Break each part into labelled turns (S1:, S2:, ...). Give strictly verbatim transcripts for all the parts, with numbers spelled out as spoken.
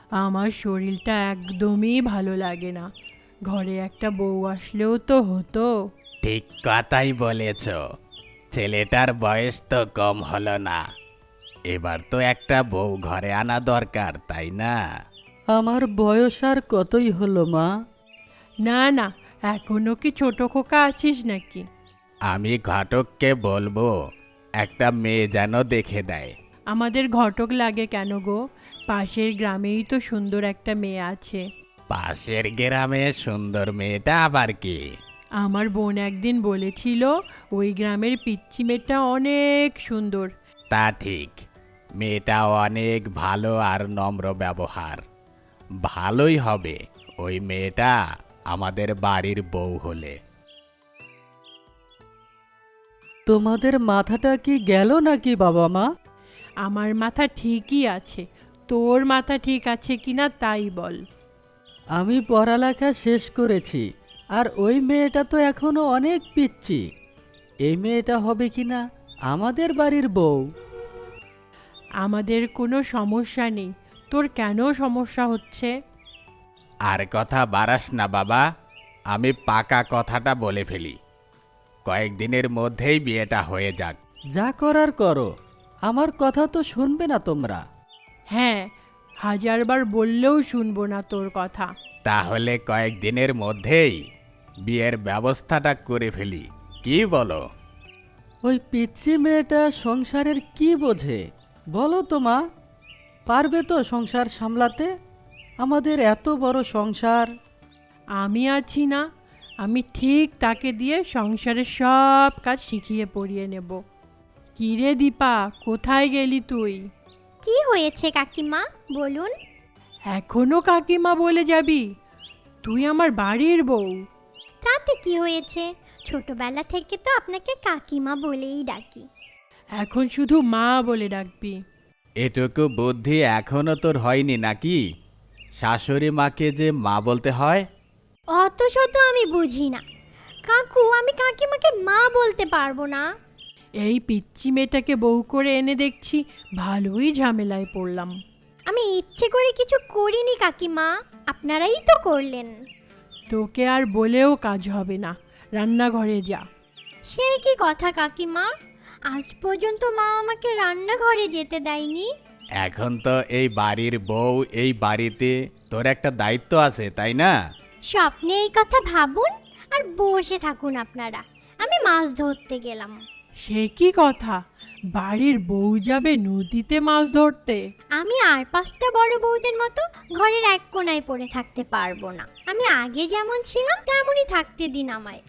S1: আমার শরীরটা একদমই ভালো লাগে না। ঘরে একটা বউ আসলেও তো হতো।
S2: ঠিক কথাই বলেছ। ছেলেটার বয়স তো কম হলো না, এবার তো একটা বউ ঘরে আনা দরকার, তাই না?
S3: আমার বয়স আর কতই হলো মা?
S1: না না, এখনো কি ছোট খোকা আছিস নাকি?
S2: আমি ঘটককে বলবো একটা মেয়ে যেন দেখে দেয়।
S1: আমাদের ঘটক লাগে কেন গো? পাশের গ্রামেই তো সুন্দর একটা মেয়ে আছে।
S2: পাশের গ্রামে সুন্দর মেয়েটা আবার কি?
S1: আমার বোন একদিন বলেছিল ওই গ্রামের পিচ্চি মেয়েটা অনেক সুন্দর।
S2: তা ঠিক, মেয়েটা অনেক ভালো আর নম্র ব্যবহার। ভালোই হবে ওই মেয়েটা আমাদের বাড়ির বউ হলে।
S3: তোমাদের মাথাটা কি গেল নাকি বাবা মা?
S1: আমার মাথা ঠিকই আছে, তোর মাথা ঠিক আছে কিনা তাই বল।
S3: আমি পড়ালেখা শেষ করেছি, আর ওই মেয়েটা তো এখনো অনেক পিচ্চি। এই মেয়েটা হবে কিনা আমাদের বাড়ির বউ?
S1: আমাদের কোনো সমস্যা নেই, তোর কেন সমস্যা হচ্ছে?
S2: আর কথা বাড়াস না বাবা, আমি পাকা কথাটা বলে ফেলি। কয়েকদিনের মধ্যেই বিয়েটা হয়ে যাক।
S3: যা করার করো, আমার কথা তো শুনবে না তোমরা?
S1: হ্যাঁ, হাজারবার বললেও শুনবো না তোর কথা।
S2: তাহলে কয়েকদিনের মধ্যেই বিয়ের ব্যবস্থাটা করে ফেলি, কি বলো?
S3: ওই পিচ্চি মেয়েটা সংসারের কি বোঝে বলো তো মা? পারবে তো সংসার সামলাতে? আমাদের এত বড় সংসার।
S1: আমি আছি না, আমি ঠিক তাকে দিয়ে সংসারের সব কাজ শিখিয়ে পড়িয়ে নেব। কিরে দীপা, কোথায় গেলি তুই?
S4: কি হয়েছে কাকিমা বলুন?
S1: এখনো কাকিমা বলে যাবি? তুই আমার বাড়ির বউ।
S4: তাতে কি হয়েছে? ছোটবেলা থেকে তো আপনাকে কাকিমা বলেই ডাকি।
S1: এখন শুধু মা বলে ডাকবি।
S2: এটুকু বুদ্ধি এখনো তোর হয়নি নাকি? শাশুড়ি মাকে যে মা বলতে হয়।
S4: অত শত আমি বুঝি না কাকু, আমি কাকিমাকে মা বলতে পারবো না।
S1: এই পিচ্চি মেয়েটাকে বউ করে এনে দেখছি ভালোই ঝামেলায় পড়লাম।
S4: আমি ইচ্ছে করে কিছু করিনি কাকিমা, আপনারাই তো করলেন।
S1: তোকে আর বলেও কাজ হবে না, রান্নাঘরে যা।
S4: সেই কি কথা কাকিমা, আজ পর্যন্ত মা আমাকে রান্নাঘরে যেতে দেয়নি।
S2: এখন তো এই বাড়ির বউ, এই বাড়িতে তোর একটা দায়িত্ব আছে, তাই না?
S4: স্বপ্নে এই কথা ভাবুন আর বসে থাকুন আপনারা। আমি মাছ ধরতে গেলাম।
S1: সে কি কথা? বাড়ির বউ যাবে নদীতে মাছ ধরতে?
S4: আমি আর পাঁচটা বড় বউদের মতো ঘরের এক কোণায় পড়ে থাকতে পারবো না। আমি আগে যেমন ছিলাম তেমনই থাকতে দিন আমায়।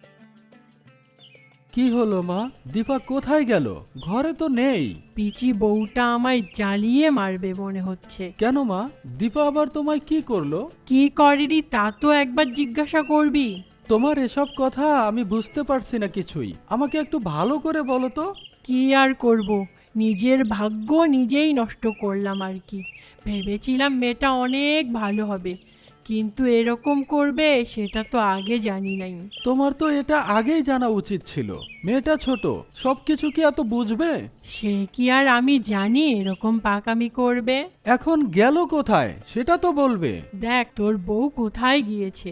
S3: কি হলো মা? দীপা কোথায় গেল? ঘরে তো নেই।
S1: পিচি বউটা আমায় জ্বালিয়ে মারবে মনে হচ্ছে।
S3: কেন মা? দীপা আবার তোমায় কি করলো?
S1: কি করেনি তা তো একবার জিজ্ঞাসা করবি।
S3: তোমার এসব কথা আমি বুঝতে পারছি না কিছুই। আমাকে একটু ভালো করে বলো তো।
S1: কি আর করব, নিজের ভাগ্য নিজেই নষ্ট করলাম আর কি। ভেবেছিলাম মেয়েটা অনেক ভালো হবে, কিন্তু এরকম করবে সেটা তো আগে জানি নাই।
S3: তোমার তো এটা আগেই জানা উচিত ছিল। মেয়েটা ছোট, সবকিছু কি এত বুঝবে?
S1: সে কি আর আমি জানি এরকম পাকামি করবে?
S3: এখন গেল কোথায় সেটা তো বলবে।
S1: দেখ তোর বউ কোথায় গিয়েছে।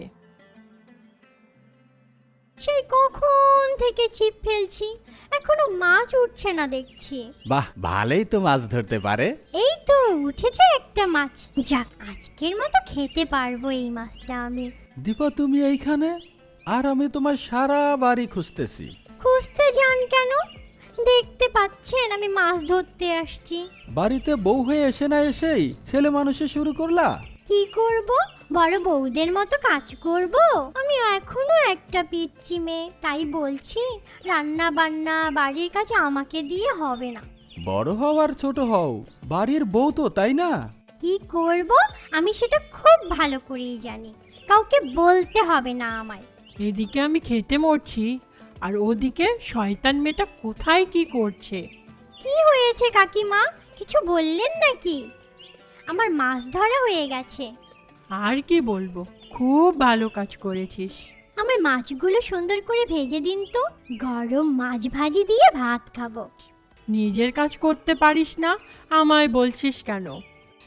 S4: সেই কখন থেকে ছিপ ফেলছি, এখনো মাছ উঠছে না দেখছি।
S2: বাহ, ভালোই তো মাছ ধরতে পারে।
S4: এই তো উঠেছে একটা মাছ, যাক আজকের মতো খেতে পারবো এই মাছটা আমি।
S3: দীপা তুমি এইখানে, আর আমি তোমার সারা বাড়ি খুঁজতেছি।
S4: খুঁজতে যান কেন? দেখতে পাচ্ছেন আমি মাছ ধরতে আসছি।
S3: বাড়িতে বউ হয়ে এসে না এসেই ছেলে মানুষে শুরু করলা।
S4: কি করব, বড় বউদের মতো কাজ করব? আমি এখনো একটা পিচ্চি মেয়ে, তাই বলছি রান্না বান্না বাড়ির কাজ আমাকে দিয়ে হবে না।
S3: বড় হও আর ছোট হও, বাড়ির বউ তো, তাই না?
S4: কি করব আমি সেটা খুব ভালো করেই জানি, কাউকে বলতে হবে না আমায়।
S1: এদিকে আমি খেটে মরছি, আর ওদিকে শয়তান মেয়েটা কোথায় কি করছে।
S4: কি হয়েছে কাকিমা, কিছু বললেন নাকি? আমার মাছ ধরা হয়ে গেছে।
S1: আর কি বলবো, খুব ভালো কাজ করেছিস।
S4: আমার মাছগুলো সুন্দর করে ভেজে দিন তো, গরম মাছ ভাজি দিয়ে ভাত খাবো।
S1: নিজের কাজ করতে পারিস না, আমায় বলছিস কেন?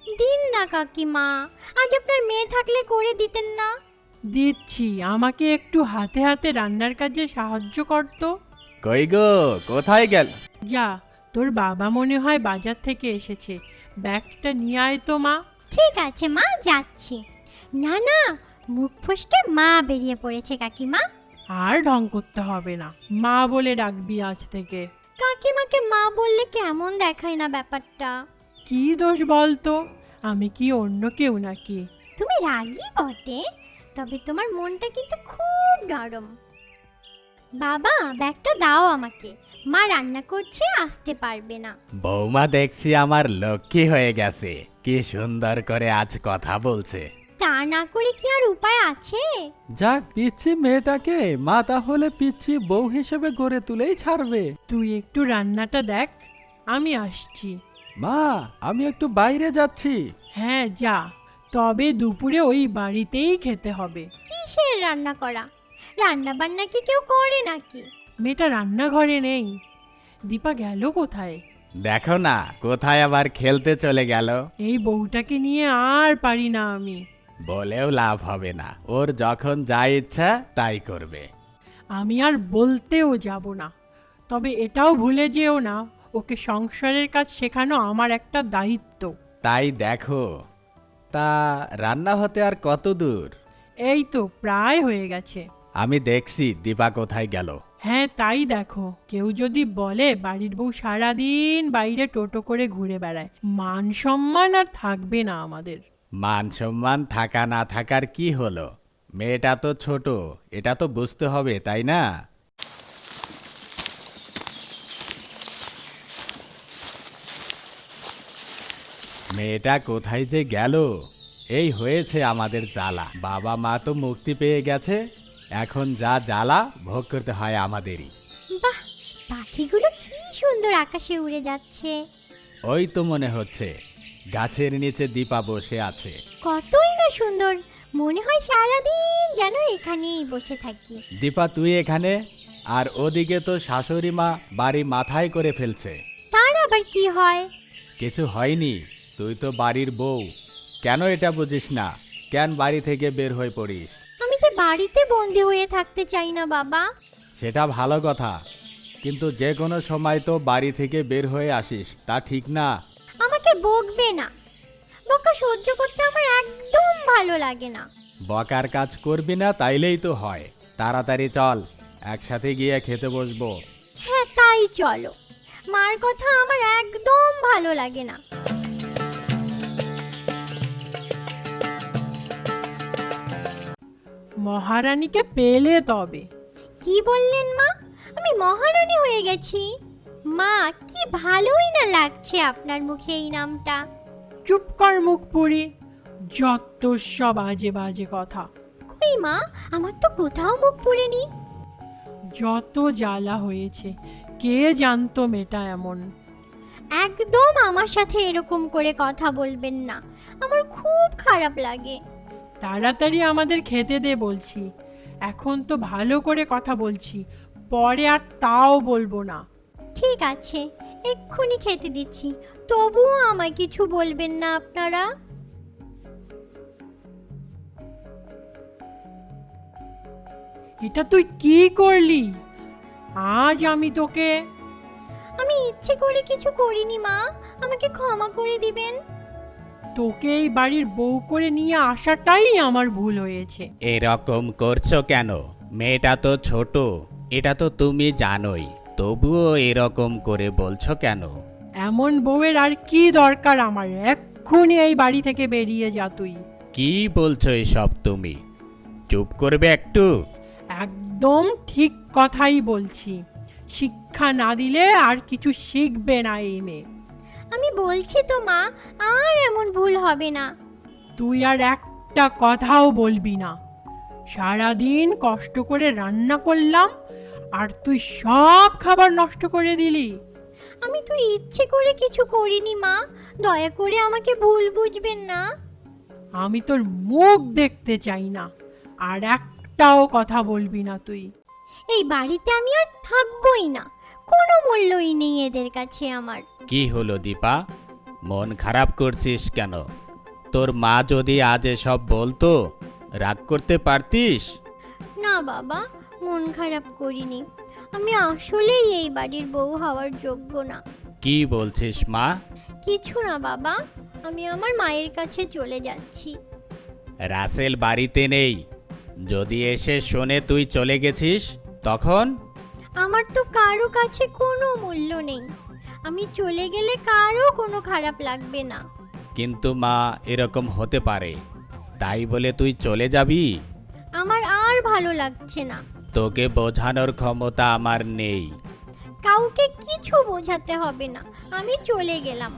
S4: দিন না কাকিমা, আজ আপনার মেয়ে থাকলে করে দিতেন না?
S1: দিচ্ছি, আমাকে একটু হাতে হাতে রান্নার কাজে সাহায্য করতো।
S2: কই গো, কোথায় গেল?
S1: যা, তোর বাবা মনে হয় বাজার থেকে এসেছে, ব্যাগটা নিয়ে আয় তো মা।
S4: ঠিক আছে মা, যাচ্ছি। না না, মুখ ফসকে মা বেরিয়ে পড়েছে কাকিমা।
S1: আর ঢং করতে হবে না, মা বলে ডাকবি আজ থেকে।
S4: কাকিমাকে মা বললে কেমন দেখায় না ব্যাপারটা?
S1: কি দোষ বলতো, আমি কি অন্য কেউ নাকি?
S4: তুমি রাগী বটে, তবে তোমার মনটা কিন্তু খুব নরম। বাবা, ব্যাগটা দাও আমাকে, মা রান্না করছে, আসতে পারবে না।
S2: বৌমা দেখছি আমার লক্ষ্মী হয়ে গেছে, কি সুন্দর করে আজ কথা বলছে।
S4: তা না করে কি আর উপায় আছে?
S3: যাক, পিচ্ছি মেয়েটাকে মা তাহলে পিচ্ছি বউ হিসেবে গড়ে তুলেই ছাড়বে।
S1: তুই একটু রান্নাটা দেখ, আমি আসছি।
S3: মা, আমি একটু বাইরে যাচ্ছি।
S1: হ্যাঁ যা, তবে দুপুরে ওই বাড়িতেই খেতে হবে।
S4: কিসের রান্না করা? রান্না বান্না কি কেউ করে নাকি?
S1: মেয়েটা রান্নাঘরে নেই। দীপা গেল কোথায়?
S2: দেখো না, কোথায় আবার খেলতে চলে গেল।
S1: এই বউটাকে নিয়ে আর পারি না আমি।
S2: বলেও লাভ হবে না, ওর যখন যা ইচ্ছা তাই করবে।
S1: আমি আর বলতেও যাব না, তবে এটাও ভুলে যেও না, ওকে সংসারের কাজ শেখানো আমার একটা দায়িত্ব।
S2: তাই দেখো, তা রান্না হতে আর কত দূর?
S1: এই তো প্রায় হয়ে গেছে।
S2: আমি দেখছি দীপা কোথায় গেল।
S1: হ্যাঁ তাই দেখো, কেউ যদি বলে বাড়ির বউ সারাদিন বাইরে টোটো করে ঘুরে বেড়ায়, মান সম্মান আর থাকবে না আমাদের।
S2: মান সম্মান থাকা না থাকার কি হলো, মেয়েটা তো ছোট, এটা তো বুঝতে হবে, তাই না? মেয়েটা কোথায় যে গেল, এই হয়েছে আমাদের জ্বালা। বাবা মা তো মুক্তি পেয়ে গেছে, এখন যা জ্বালা ভোগ করতে হয় আমাদেরই।
S4: বাহ, পাখিগুলো কি সুন্দর আকাশে উড়ে যাচ্ছে।
S2: ওই তো মনে হচ্ছে গাছের নিচে দীপা বসে আছে।
S4: কতই না সুন্দর, মনে হয় সারাদিন যেন এখানেই বসে থাকি।
S2: দীপা তুই এখানে, আর ওদিকে তো শাশুড়ি মা বাড়ি মাথায় করে ফেলছে।
S4: তার আবার কি হয়?
S2: কিছু হয়নি, তুই তো বাড়ির বউ, কেন এটা বুঝিস না? কেন বাড়ি থেকে বের হয়ে পড়িস?
S4: আমি যে বাড়িতে বন্দি হয়ে থাকতে চাই না বাবা।
S2: সেটা ভালো কথা, কিন্তু যে কোনো সময় তো বাড়ি থেকে বের হয়ে আসিস, তা ঠিক না।
S4: আমাকে বকবে না, বকা সহ্য করতে আমার একদম ভালো লাগে না।
S2: বকার কাজ করবি না তাইলেই তো হয়। তাড়াতাড়ি চল, একসাথে গিয়ে খেতে বসবো।
S4: হ্যাঁ তাই চলো, মার কথা আমার একদম ভালো লাগে না।
S1: মহারানীকে পেলে তবে।
S4: কি বললেন মা? আমি মহারানী হয়ে গেছি? মা, কি ভালোই না লাগছে আপনার মুখে এই নামটা।
S1: চুপ কর মুখ পুরি, যত সব বাজে বাজে কথা।
S4: কই মা, আমার তো কোথাও মুখ পুড়েনি।
S1: যত জ্বালা হয়েছে, কে জানতো মেয়েটা এমন।
S4: একদম আমার সাথে এরকম করে কথা বলবেন না, আমার খুব খারাপ লাগে।
S1: তাড়াতাড়ি আমাদের খেতে দে বলছি, এখন তো ভালো করে কথা বলছি, পরে আর তাও বলবো না।
S4: ঠিক আছে, এক্ষুনি খেতে দিচ্ছি, তবুও আমায় কিছু বলবেন না আপনারা।
S1: এটা তুই কি করলি? আজ আমি তোকে।
S4: আমি ইচ্ছে করে কিছু করিনি মা, আমাকে ক্ষমা করে দিবেন।
S1: তোকে এই বাড়ির বউ করে নিয়ে আসাটাই আমার ভুল হয়েছে।
S2: এরকম করছো কেন? মেয়েটা তো ছোট, এটা তো তুমি জানোই, তবুও এরকম করে বলছো কেন?
S1: এমন বউয়ের আর কি দরকার আমার? এক্ষুনি এই বাড়ি থেকে বেরিয়ে যা তুই।
S2: কি বলছো এসব তুমি? চুপ করবে একটু?
S1: একদম ঠিক কথাই বলছি, শিক্ষা না দিলে আর কিছু শিখবে না এই মেয়ে।
S4: আমি বলছি তো মা, আর এমন ভুল হবে না।
S1: তুই আর একটা কথাও বলবি না। সারাদিন কষ্ট করে রান্না করলাম, আর তুই সব খাবার নষ্ট করে দিলি।
S4: আমি তো ইচ্ছে করে কিছু করিনি মা, দয়া করে আমাকে ভুল বুঝবেন না।
S1: আমি তোর মুখ দেখতে চাই না, আর একটাও কথা বলবি না তুই।
S4: এই বাড়িতে আমি আর থাকবোই না, কোনো মূল্যই নেই এদের কাছে আমার।
S2: কি হলো দীপা, মন খারাপ করছিস কেন? তোর মা যদি আজ এসব বলতো রাগ করতে পারতিস?
S4: না বাবা, মন খারাপ করিনি। আমি আসলেই এই বাড়ির বউ হওয়ার যোগ্য না।
S2: কি বলছিস মা?
S4: কিছু না বাবা, আমি আমার মায়ের কাছে চলে যাচ্ছি।
S2: রাসেল বাড়িতে নেই, যদি এসে শোনে তুই চলে গেছিস তখন?
S4: আমার তো কারো কাছে কোনো মূল্য নেই। আমি চলে গেলে কারো কোনো খারাপ লাগবে না।
S2: কিন্তু মা, এরকম হতে পারে, তাই বলে তুই চলে যাবি?
S4: আমার আর ভালো লাগছে না।
S2: তোকে বোঝানোর ক্ষমতা আমার নেই।
S4: কাউকে কিছু বোঝাতে হবে না, আমি চলে গেলাম।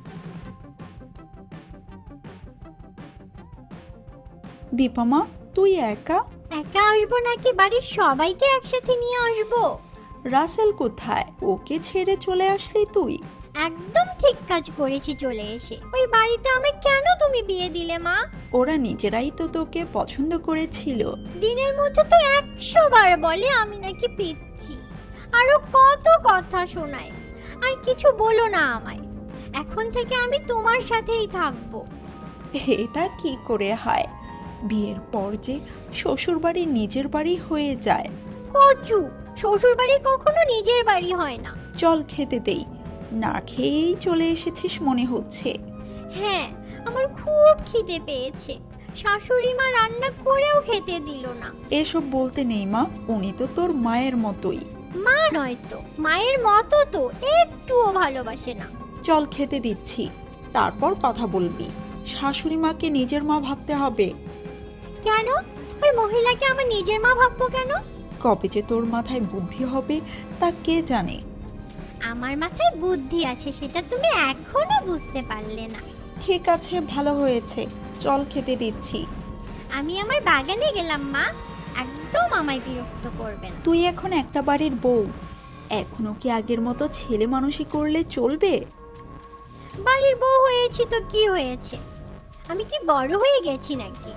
S5: দীপা মা, তুই একা?
S4: একা আসবো নাকি বাড়ির সবাইকে একসাথে নিয়ে আসবো?
S5: রাসেল কোথায়? ওকে ছেড়ে চলে আসলি তুই?
S4: একদম ঠিক কাজ করেছি চলে এসে। ওই বাড়িতে আমি কেন তুমি বিয়ে দিলে মা?
S5: ওরা নিজেরাই তো তোকে পছন্দ করেছিল।
S4: দিনের মধ্যে তো একশো বার বলে আমি নাকি পিচ্ছি, আরো কত কথা শোনায়। আর কিছু বলো না আমায়, এখন থেকে আমি তোমার সাথেই থাকবো।
S5: এটা কি করে হয়? বিয়ের পর যে শ্বশুর বাড়ি নিজের বাড়ি হয়ে যায়।
S4: কচু, শ্বশুর বাড়ি কখনো নিজের বাড়ি হয় না।
S5: চল খেতে দেই, না খেয়েই চলে এসেছিস মনে হচ্ছে।
S4: হ্যাঁ, আমার খুব খিদে পেয়েছে। শাশুড়ি মা রান্না করেও খেতে দিল না।
S5: এসব বলতে নেই মা, উনি তো তোর মায়ের মতোই।
S4: মা নয় তো, মায়ের মতো তো একটুও ভালোবাসে না।
S5: চল খেতে দিচ্ছি, তারপর কথা বলবি। শাশুড়ি মাকে নিজের মা ভাবতে হবে।
S4: কেন? ওই মহিলাকে আমার নিজের মা ভাববো কেন?
S5: কবে যে তোর মাথায় বুদ্ধি হবে তা কে জানে।
S4: আমার মাথায় বুদ্ধি আছে, সেটা তুমি এখনো বুঝতে পারলে না।
S5: ঠিক আছে, ভালো হয়েছে, চল খেতে দিচ্ছি।
S4: আমি আমার বাগানে গেলাম মা, একদম আমায় বিরক্ত করবে না।
S5: তুই এখন একটা বাড়ির বউ, এখনো কি আগের মতো ছেলে মানুষই করলে চলবে?
S4: বাড়ির বউ হয়েছি তো কি হয়েছে? আমি কি বড় হয়ে গেছি নাকি?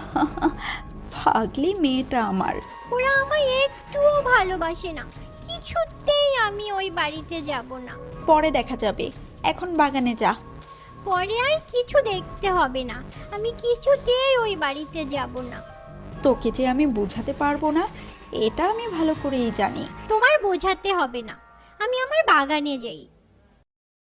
S5: পাগলি মেয়েটা আমার।
S4: ওরা আমায় একটুও ভালোবাসে না, কিছুতেই আমি ওই বাড়িতে যাব না।
S5: পরে দেখা যাবে, এখন বাগানে যা।
S4: পরে আর কিছু দেখতে হবে না, আমি কিছুতেই ওই বাড়িতে যাব না।
S5: তোকে যে আমি বোঝাতে পারবো না, এটা আমি ভালো করেই জানি।
S4: তোমার বোঝাতে হবে না, আমি আমার বাগানে যাই।